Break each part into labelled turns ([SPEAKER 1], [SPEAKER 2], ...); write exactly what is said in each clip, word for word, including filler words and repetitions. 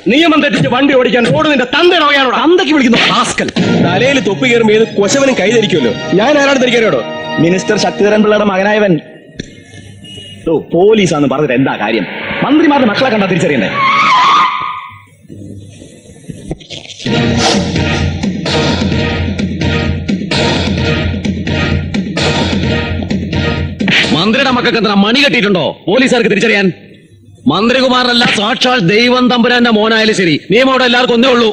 [SPEAKER 1] നിയമം തെറ്റിച്ച് വണ്ടി ഓടിക്കാൻ റോഡ് നിന്റെ തന്തയുടെ വകയാണോ? തന്തയ്ക്ക് വിളിക്കുന്നു ഹാസ്കൽ. തലയിൽ തൊപ്പി കയറുമ്പോൾ ഏത് കൊശവനും കൈധരിക്കുമല്ലോ. ഞാൻ ആരാണ് ധരിക്കാനോടോ?
[SPEAKER 2] മിനിസ്റ്റർ ശക്തിധരൻ പിള്ളയുടെ മകനായവൻ പോലീസാന്ന് പറഞ്ഞിട്ട് എന്താ കാര്യം? മന്ത്രിമാരുടെ മക്കളെ കണ്ടാ തിരിച്ചറിയണ്ടേ?
[SPEAKER 3] മന്ത്രിയുടെ മക്കൾക്ക് എന്താ മണി കെട്ടിയിട്ടുണ്ടോ പോലീസുകാർക്ക് തിരിച്ചറിയാൻ? മന്ത്രികുമാരനല്ല, സാക്ഷാൽ ദൈവം തമ്പുരാന്റെ മോനായാലും ശരി, നിയമം അവിടെ എല്ലാവർക്കും ഒന്നേ ഉള്ളൂ.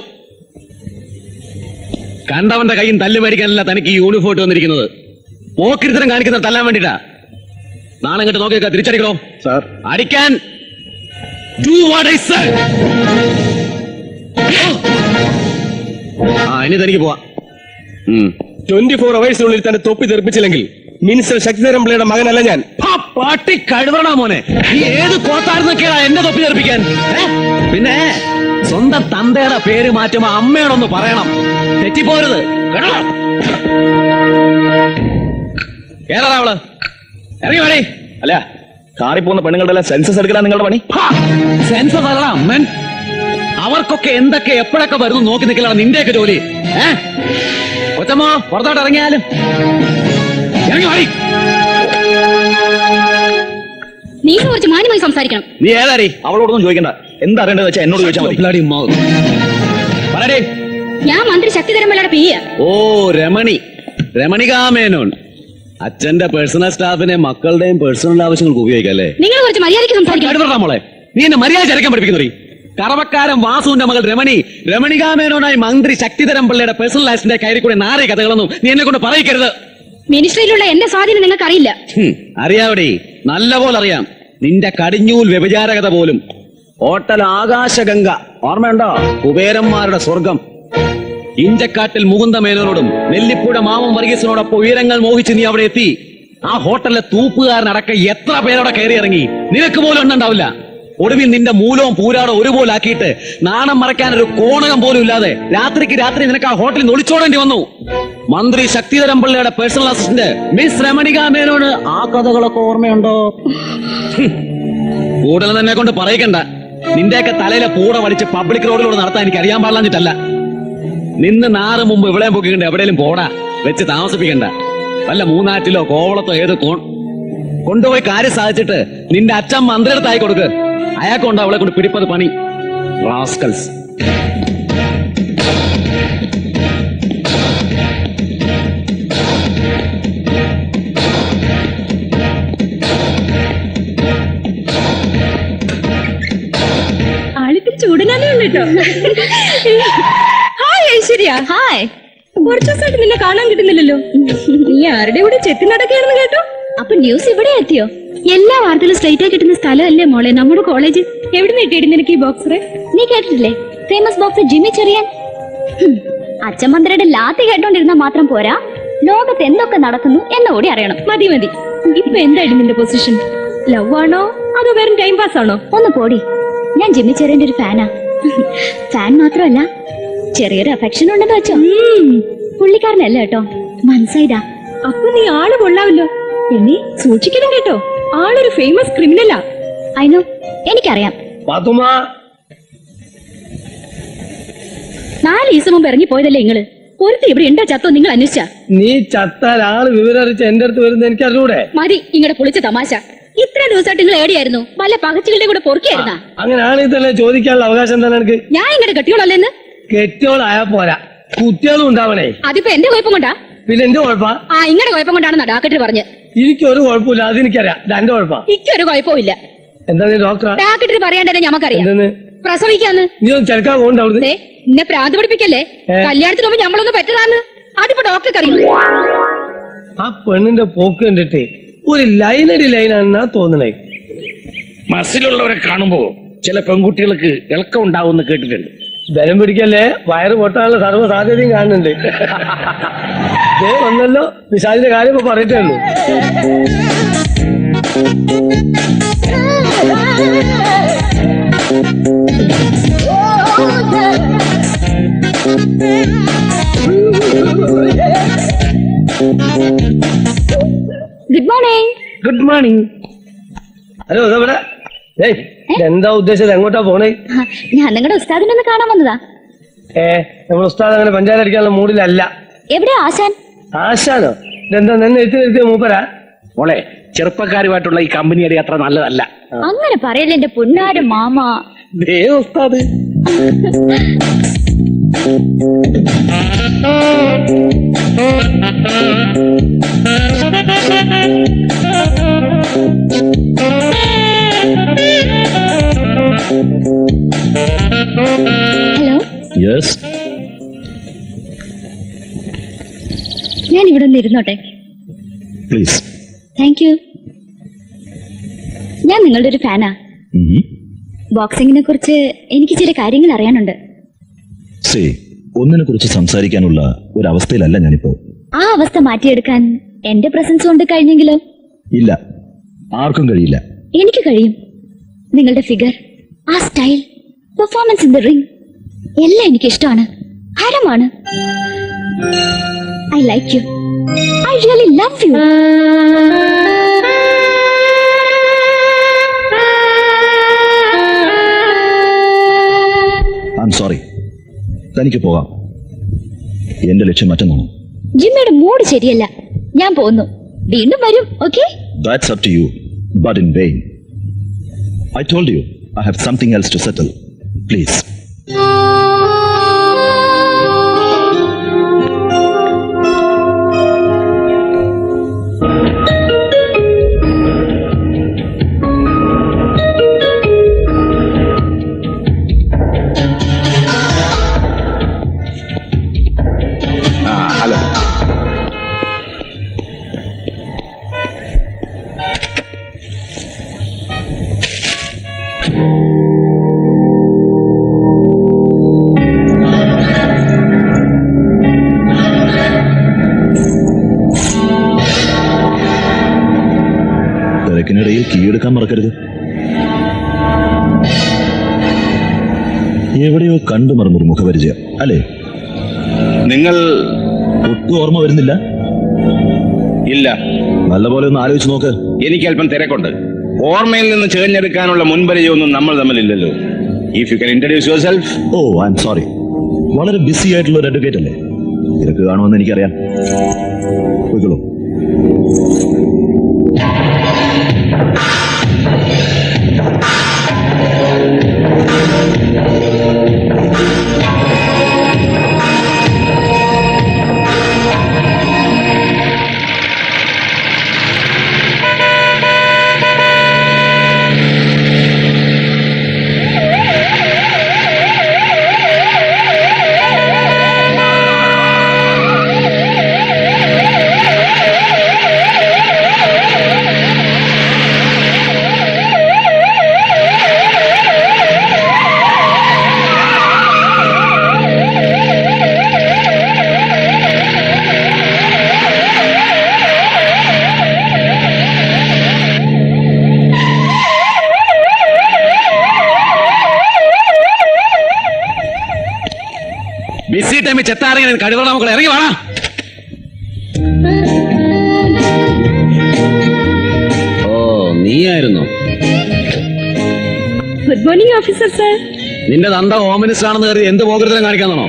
[SPEAKER 3] കണ്ടവന്റെ കയ്യും തല്ല് മേടിക്കാനല്ല തനിക്ക് ഈ യൂണിഫോം ഇട്ട് വന്നിരിക്കുന്നത്. പോക്കിരിത്തരം കാണിക്കുന്ന തല്ലാൻ വേണ്ടിട്ടാ. നാളെ ഇങ്ങോട്ട് നോക്കിയേക്കാ, തിരിച്ചടിക്കണോ
[SPEAKER 2] സാർ?
[SPEAKER 3] അടിക്കാൻ. Do what I say. ആ ഇനി തനിക്ക് പോവാ.
[SPEAKER 1] ട്വന്റി ഫോർ അവേഴ്സിനുള്ളിൽ തന്നെ തൊപ്പി തെറിപ്പിച്ചില്ലെങ്കിൽ മിനിസ്റ്റർ ശക്തിധരൻ പിള്ളയുടെ മകനല്ല ഞാൻ.
[SPEAKER 3] പാട്ടി കഴിവണ മോനെ, നീ ഏത് കോത്തായിരുന്നൊക്കെയാ എന്നെ തൊപ്പി തെറിപ്പിക്കാൻ? പിന്നെ സ്വന്തം തന്തയുടെ പേര് മാറ്റുമ്പോ അമ്മയോടൊന്ന് പറയണം, തെറ്റിപ്പോരുത് കേട്ടോ. ഏതാ അവള്? ഇറങ്ങി വേണേ.
[SPEAKER 2] അല്ല, കാറി പോകുന്ന പെണ്ണുങ്ങളുടെ എല്ലാം സെൻസസ് എടുക്കലാ നിങ്ങളുടെ പണി?
[SPEAKER 3] സെൻസസ് അല്ല അമ്മൻ, അവർക്കൊക്കെ എന്തൊക്കെ എപ്പോഴൊക്കെ വരുന്നു നോക്കി നിൽക്കലാണ് നിന്റെയൊക്കെ ജോലി. ഏ കൊച്ചമ്മോ, പുറത്തോട്ട് ഇറങ്ങിയാലും ഇറങ്ങി വാടി.
[SPEAKER 4] നീ കുറച്ച് മാന്യമായി സംസാരിക്കണം.
[SPEAKER 2] നീ ഏതാരി? അവളോടൊന്നും ചോദിക്കണ്ട. എന്താ അറിയേണ്ടത് വെച്ചാൽ എന്നോട് ചോദിച്ചാൽ മതി.
[SPEAKER 3] പറയടേ.
[SPEAKER 4] ഞാൻ മന്ത്രി ശക്തിധരൻ പിള്ളയുടെ പി എ.
[SPEAKER 3] ഓ രമണി, രമണികാമേനോൻ. അച്ഛന്റെ പേഴ്സണൽ സ്റ്റാഫിനെ മക്കളുടെയും പേഴ്സണൽ ആവശ്യങ്ങൾക്ക് ഉപയോഗിക്കാം അല്ലേ?
[SPEAKER 4] നിങ്ങൾ കുറച്ച് മര്യാദയ്ക്ക് സംസാരിക്കണം.
[SPEAKER 3] മോളെ, നീ എന്നെ മര്യാദ ചരക്കാൻ പഠിപ്പിക്കുന്നറി. കറവക്കാരൻ വാസുവിന്റെ മകൾ രമണി, രമണികാമേനോനായി മന്ത്രി ശക്തിധരൻ പിള്ളയുടെ പേഴ്സണൽ ലൈഫിന്റെ കയറി കൂടെ നാറിയ കഥകളൊന്നും നീ എന്നെ കൊണ്ട് പറയിക്കരുത്.
[SPEAKER 4] മിനിസ്ട്രിയിലുള്ള എന്റെ സ്വാധീനം നിങ്ങൾക്ക് അറിയില്ല.
[SPEAKER 3] അറിയാവടി, നല്ല പോലെ അറിയാം. നിന്റെ കടിഞ്ഞൂൽ വ്യഭിചാരകത പോലും. ഹോട്ടൽ ആകാശഗംഗ ഓർമ്മയുണ്ടോ? കുബേരന്മാരുടെ സ്വർഗം. ഇഞ്ചക്കാട്ടിൽ മുകുന്ദ മേനോനോടും നെല്ലിപ്പുഴ മാമം വർഗീസിനോടൊപ്പം ഉയരങ്ങൾ മോഹിച്ച് നീ അവിടെ എത്തി. ആ ഹോട്ടലിലെ തൂപ്പുകാരനടക്കം എത്ര പേരോടെ കയറി ഇറങ്ങി, നിനക്ക് പോലും എണ്ണുണ്ടാവില്ല. ഒടുവിൽ നിന്റെ മൂലവും പൂരാടം ഒരുപോലെ ആക്കിയിട്ട് നാണം മറയ്ക്കാൻ ഒരു കോണകം പോലും ഇല്ലാതെ രാത്രിക്ക് രാത്രി നിനക്ക് ആ ഹോട്ടലിൽ ഒളിച്ചോടേണ്ടി വന്നു. മന്ത്രി ശക്തിധരൻ പിള്ളയുടെ പേഴ്സണൽ അസിസ്റ്റന്റ് മിസ് രമണിക മേനോന് ആ കഥകളൊക്കെ ഓർമ്മയുണ്ടോ? കൂടുതൽ തന്നെ കൊണ്ട് പറയിക്കണ്ട. നിന്റെയൊക്കെ തലയിലെ പൂട വലിച്ച് പബ്ലിക് റോഡിലൂടെ നടത്താൻ എനിക്ക് അറിയാൻ പാടില്ലാഞ്ഞിട്ടല്ല. നിന്ന് നാറ് മുമ്പ് ഇവിടെ പൊക്കിക്കണ്ട, എവിടെയും പോടാ വെച്ച് താമസിപ്പിക്കണ്ട. വല്ല മൂന്നാറ്റിലോ കോവളത്തോ ഏത് കോൺ കൊണ്ടുപോയി കാര്യം സാധിച്ചിട്ട് നിന്റെ അച്ഛൻ മന്ത്രിയുടെ കൊടുക്ക്. അയാൾക്കുണ്ടോ അവളെ കൊണ്ട് പിടിപ്പത് പണി. റാസ്കൽസ്.
[SPEAKER 4] ആളിത്തിരി ചൂടനാനേ ഉണ്ട് കേട്ടോ. ഹായ് ഐശ്വര്യ. ഹായ്. കുറച്ചു ദിവസമായിട്ട് നിന്നെ കാണാൻ കിട്ടുന്നില്ലല്ലോ. നീ ആരുടെ കൂടെ ചെത്തി നടക്കുകയാണെന്ന് കേട്ടോ. അപ്പൊ ന്യൂസ് ഇവിടെ എത്തിയോ? എല്ലാ വാർത്തകളും സ്ട്രൈറ്റ് ആയി കിട്ടുന്ന സ്ഥലമല്ലേ മോളെ നമ്മുടെ കോളേജ്. എവിടെ കിട്ടിയിട്ട് നിനക്ക് ഈ ബോക്സ്? നീ കേട്ടിട്ടില്ലേ ഫേമസ് ബോക്സ് ജിമ്മി ചെറിയാൻ? അച്ഛൻ മന്ത്രിയുടെ ലാത്തി കേട്ടോണ്ടിരുന്നാ മാത്രം പോരാ, ലോകത്ത് എന്തൊക്കെ നടക്കുന്നു എന്നുകൂടി അറിയണം. മതി മതി. ഇപ്പൊ എന്തായിരുന്നു നിന്റെ പൊസിഷൻ? ലവ് ആണോ അതോ വെറും ടൈം പാസ് ആണോ? ഒന്ന് പോടി. ഞാൻ ജിമ്മി ചെറിയന്റെ ഒരു ഫാനാ. ഫാൻ മാത്രമല്ല, ചെറിയൊരു അഫെക്ഷൻ ഉണ്ടെന്ന് വെച്ചോ. പുള്ളിക്കാരനല്ല കേട്ടോ, മനസ്സായതാ. അപ്പൊ നീ ആള് കൊള്ളാവല്ലോ. എന്നെ സൂക്ഷിക്കണം കേട്ടോ, ആളൊരു ഫേമസ് ക്രിമിനലാ. അയിനോ, എനിക്കറിയാം. നാല് ദിവസം മുമ്പ് ഇറങ്ങി പോയതല്ലേ നിങ്ങള്? ഒരുത്തി ഇവിടെ ഉണ്ടോ ചത്തോ നിങ്ങൾ അന്വേഷിച്ച?
[SPEAKER 1] നീ ചത്താൽ ആള് വിവരറിച്ച് എന്റെ അടുത്ത് വരുന്നത് എനിക്ക് അറിഞ്ഞൂടെ?
[SPEAKER 4] മതി ഇങ്ങടെ പൊളിച്ച തമാശ. ഇത്ര ദിവസമായിട്ട് നിങ്ങൾ എവിടെയായിരുന്നു? വല്ല പകച്ചുകളുടെ കൂടെ പൊറുക്കിയായിരുന്നാ?
[SPEAKER 1] അങ്ങനെയാണ് ഇതല്ലേ ചോദിക്കാനുള്ള അവകാശം തന്നെ എനിക്ക്.
[SPEAKER 4] ഞാൻ ഇങ്ങടെ കെട്ടിയോളല്ലേന്ന്?
[SPEAKER 1] കെട്ടിയോളായാ പോരാ, കുട്ടികളും ഉണ്ടാവണേ.
[SPEAKER 4] അതിപ്പോ എന്റെ കുഴപ്പം കൊണ്ടാ?
[SPEAKER 1] പിന്നെ എന്റെ കുഴപ്പാ?
[SPEAKER 4] ആ ഇങ്ങടെ കുഴപ്പം കൊണ്ടാണെന്നാ ഡാക്ടർ പറഞ്ഞ്.
[SPEAKER 1] എനിക്കൊരു കുഴപ്പമില്ല, അതെനിക്കറിയാം. എന്റെ കുഴപ്പാ?
[SPEAKER 4] എനിക്കൊരു കുഴപ്പമില്ല.
[SPEAKER 1] എന്താ ഡോക്ടർ?
[SPEAKER 4] ഡാക്ടർ പറയാണ്ടേ ഞമ്മക്കറിയാം.
[SPEAKER 1] എന്തെന്ന്?
[SPEAKER 4] പ്രസവിക്കാന്ന്.
[SPEAKER 1] നീ ഒന്ന് ചെറുക്കാൻ പോകണ്ട അവിടുന്ന്.
[SPEAKER 4] എന്നെ പ്രാന്ത് പഠിപ്പിക്കല്ലേ. കല്യാണത്തിന് മുമ്പ് ഞമ്മളൊന്ന് പറ്റതാന്ന് അതിപ്പോ ഡോക്ടർക്ക് അറിയും.
[SPEAKER 1] ആ പെണ്ണിന്റെ പോക്ക് കണ്ടിട്ട് ഒരു ലൈനടി ലൈനാണെന്നാ തോന്നണേ.
[SPEAKER 5] മസിലുള്ളവരെ കാണുമ്പോ ചില പെൺകുട്ടികൾക്ക് ഇളക്കം ഉണ്ടാവും കേട്ടിട്ടുണ്ട്.
[SPEAKER 1] ബലം പിടിക്കല്ലേ, വയറ് പൊട്ടാനുള്ള സർവ്വ സാധ്യതയും കാണുന്നുണ്ട്. വന്നല്ലോ, വിശാലിന്റെ കാര്യം ഇപ്പൊ പറയട്ടേ ഉള്ളൂ.
[SPEAKER 4] Good morning.
[SPEAKER 1] Good morning. Hello, ഇതെവിടെ? ഏയ് എന്താ ഉദ്ദേശിച്ചത്? എങ്ങോട്ടാ പോണേ?
[SPEAKER 4] ആ, ഞാൻ നിങ്ങളുടെ ഉസ്താദിനൊന്ന് കാണാൻ വന്നതാ.
[SPEAKER 1] ഏ നമ്മൾ ഉസ്താദ് അങ്ങനെ പഞ്ചായത്ത് അടിക്കാനുള്ള മൂഡിലല്ല.
[SPEAKER 4] എവിടെയാ ആശാൻ?
[SPEAKER 1] ആശാനോ? ഇതെന്താ നിന്നെ എത്തി നിർത്തിയ മൂപ്പരാ?
[SPEAKER 5] മോളെ, ചെറുപ്പക്കാരുമായിട്ടുള്ള ഈ കമ്പനിയുടെ അത്ര നല്ലതല്ല.
[SPEAKER 4] അങ്ങനെ പറയല്ലേ എന്റെ പൊന്നാര മാമ.
[SPEAKER 5] ദേ ഉസ്താദ്.
[SPEAKER 4] ഹലോ,
[SPEAKER 2] യെസ്,
[SPEAKER 4] ഞാൻ ഇവിടെ ഒന്ന് ഇരുന്നോട്ടെ?
[SPEAKER 2] പ്ലീസ്.
[SPEAKER 4] Thank you. ഞാൻ നിങ്ങളുടെ ഒരു ഫാനാ. ബോക്സിംഗിനെ കുറിച്ച് എനിക്ക് ചില കാര്യങ്ങൾ അറിയാനുണ്ട്.
[SPEAKER 2] സേ, ഒന്നിനെ കുറിച്ച് സംസാരിക്കാനുള്ള ഒരു അവസ്ഥയിലല്ല ഞാനിപ്പോ.
[SPEAKER 4] ആ അവസ്ഥ മാറ്റിയെടുക്കാൻ എന്റെ പ്രസൻസ് കൊണ്ട് കഴിഞ്ഞെങ്കിലോ?
[SPEAKER 2] ഇല്ല, ആർക്കും കഴിയില്ല.
[SPEAKER 4] എനിക്ക് കഴിയും. നിങ്ങളുടെ ഫിഗർ, ആ style, performance in the ring എല്ലാം എനിക്ക് ഇഷ്ടമാണ്, ഹരമാണ്. I like you. I really love you.
[SPEAKER 2] I am sorry. തനിക്ക് പോകാം. എന്റെ ലക്ഷ്യം മറ്റൊന്നാണ്.
[SPEAKER 4] ജിമ്മയുടെ മൂഡ് ശരിയല്ല, ഞാൻ പോന്നു. വീണ്ടും വരും. Okay?
[SPEAKER 2] That's up to you, but in vain. I told you I have something else to settle. Please.
[SPEAKER 5] Hello.
[SPEAKER 2] തിരക്കിനിടയിൽ കീഴെടുക്കാൻ മറക്കരുത്. എവിടെയോ കണ്ടു മറന്നൊരു മുഖപരിചയം അല്ലേ?
[SPEAKER 5] നിങ്ങൾ?
[SPEAKER 2] ഒട്ടും ഓർമ്മ വരുന്നില്ല?
[SPEAKER 5] ഇല്ല.
[SPEAKER 2] നല്ലപോലെ ഒന്ന് ആലോചിച്ച് നോക്ക്.
[SPEAKER 5] എനിക്ക് അല്പം തിരക്കുണ്ട്. ഓർമ്മയിൽ നിന്ന് ചേർന്നെടുക്കാനുള്ള മുൻപരിചയമൊന്നും നമ്മൾ തമ്മിലില്ലല്ലോ. If you can introduce yourself.
[SPEAKER 2] ഓ, ഐ എം സോറി. വളരെ ബിസി ആയിട്ടുള്ള ഒരു അഡ്വക്കേറ്റ് അല്ലേ? തിരക്ക് കാണുമെന്ന് എനിക്കറിയാം. പോയിക്കോളൂ.
[SPEAKER 3] ബിസി ടൈമിൽ ചെത്താറിങ്ങനെ കഴിവുള്ള മക്കൾ ഇറങ്ങി വേണം. ഓ, നീയായിരുന്നു.
[SPEAKER 4] Good morning officer sir.
[SPEAKER 3] നിന്റെ തന്ത ഹോം മിനിസ്റ്റർ ആണെന്ന് കരുതി എന്ത് പോകരുതലും കാണിക്കാന്നാണോ?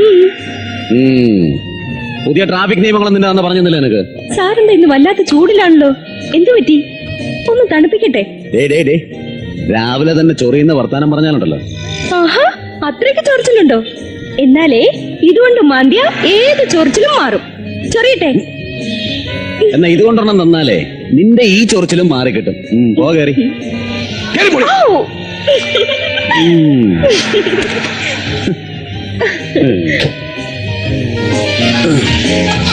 [SPEAKER 3] പുതിയ ട്രാഫിക് നിയമങ്ങളും നിന്റെ തന്ത പറഞ്ഞില്ല എനിക്ക്.
[SPEAKER 4] സാറിന്റെ ഇന്ന് വല്ലാത്ത ചൂടിലാണല്ലോ, എന്തു പറ്റി? ഒന്ന് തണുപ്പിക്കട്ടെ?
[SPEAKER 3] ഡേ ഡേ ഡേ രാവിലെ തന്നെ ചൊറിയുന്ന വർത്താനം പറഞ്ഞാലുണ്ടല്ലോ.
[SPEAKER 4] ആഹാ, അത്രയ്ക്ക് ചൊറിച്ചിലുണ്ടോ? എന്നാലേ ഇതുകൊണ്ട് മാന്തിയ ഏത് ചൊറിച്ചിലും മാറും. ചൊറിയട്ടെ?
[SPEAKER 3] എന്നാ ഇതുകൊണ്ടൊരെണ്ണം തന്നാലേ നിന്റെ ഈ ചൊറിച്ചിലും മാറിക്കിട്ടും. പോ കയറി.
[SPEAKER 4] ഔ!
[SPEAKER 3] ഉം.